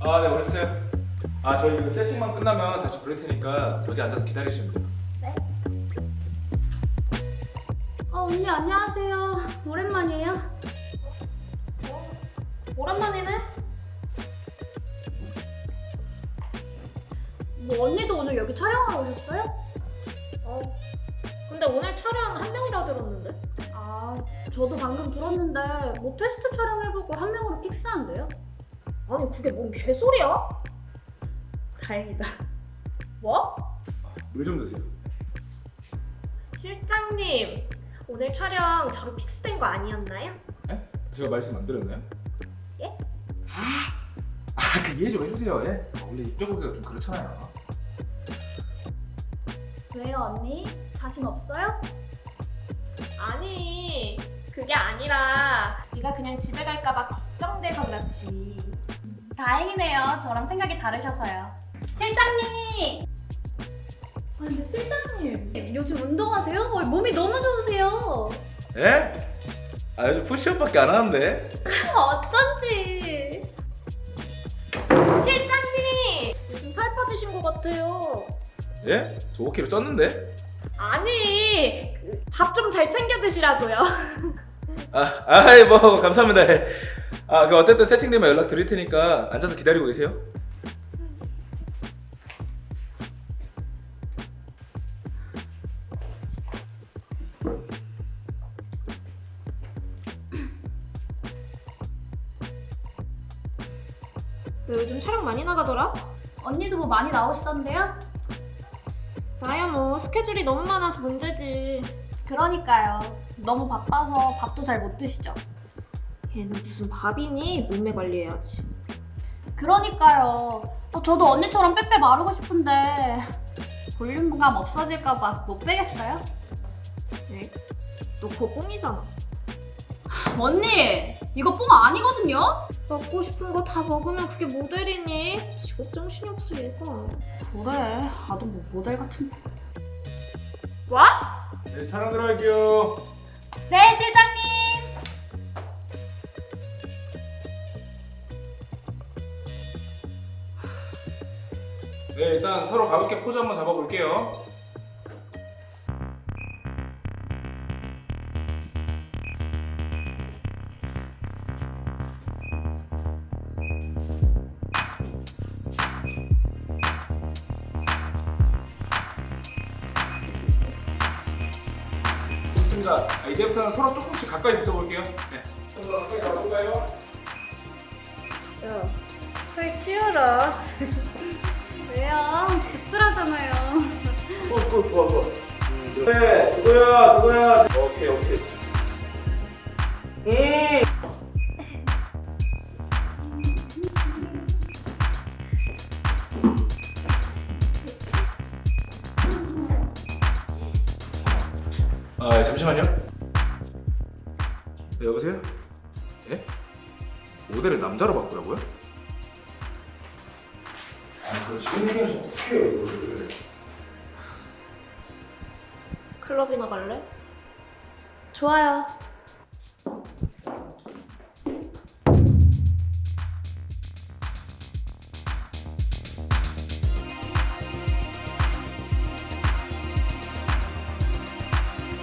아, 네, 오셨어요. 아, 저희 그 세팅만 끝나면 다시 부를 테니까 저기 앉아서 기다리시면 돼요. 네. 언니 안녕하세요. 오랜만이에요. 오랜만이네. 뭐 언니도 오늘 여기 촬영하러 오셨어요? 근데 오늘 촬영 한 명이라 들었는데? 아, 저도 방금 들었는데 뭐 테스트 촬영해보고 한 명으로 픽스한대요? 아니 그게 뭔 개소리야? 다행이다. 뭐? 물 좀 드세요. 실장님 오늘 촬영 저로 픽스된 거 아니었나요? 예? 제가 말씀 안 드렸나요? 예? 그 이해 좀 해주세요. 예? 원래 입장고기가 좀 그렇잖아요. 왜요 언니? 자신 없어요? 아니 그게 아니라 네가 그냥 집에 갈까봐 걱정돼서 그렇지. 다행이네요. 저랑 생각이 다르셔서요. 실장님! 아니 근데 실장님 요즘 운동하세요? 몸이 너무 좋으세요. 예? 아, 요즘 푸시업밖에 안 하는데. 어쩐지. 실장님 요즘 살 빠지신 것 같아요. 예? 저 5kg 쪘는데? 아니 밥 좀 잘 챙겨 드시라고요. 아이 뭐 감사합니다. 아, 그 어쨌든 세팅되면 연락 드릴 테니까 앉아서 기다리고 계세요. 너 요즘 촬영 많이 나가더라? 언니도 뭐 많이 나오시던데요? 나야 뭐 스케줄이 너무 많아서 문제지. 그러니까요. 너무 바빠서 밥도 잘 못 드시죠? 얘는 무슨 밥이니? 몸매 관리해야지. 그러니까요. 저도 언니처럼 빼빼 마르고 싶은데 볼륨감 없어질까봐 못 빼겠어요? 네? 너 그거 뽕이잖아. 언니! 이거 뽕 아니거든요? 먹고 싶은 거 다 먹으면 그게 모델이니? 직업 정신이 없어 얘가. 그래. 나도 뭐 모델 같은데. 뭐? 네, 촬영 들어갈게요. 네, 실장님! 네, 일단 서로 가볍게 포즈 한번 잡아볼게요. 좋습니다. 이제부터는 서로 조금씩 가까이 붙어볼게요. 네. 좀 더 가까이 가볼까요? 야, 살 치워라. 왜요? 씁쓸하잖아요. 좋아. 네, 그거야. 오케이. 아, 잠시만요. 네, 여보세요? 예? 모델을 남자로 바꾸라고요? 아, 그거 지금 얘기하시면 어떡해요, 이거를. 클럽이나 갈래? 좋아요.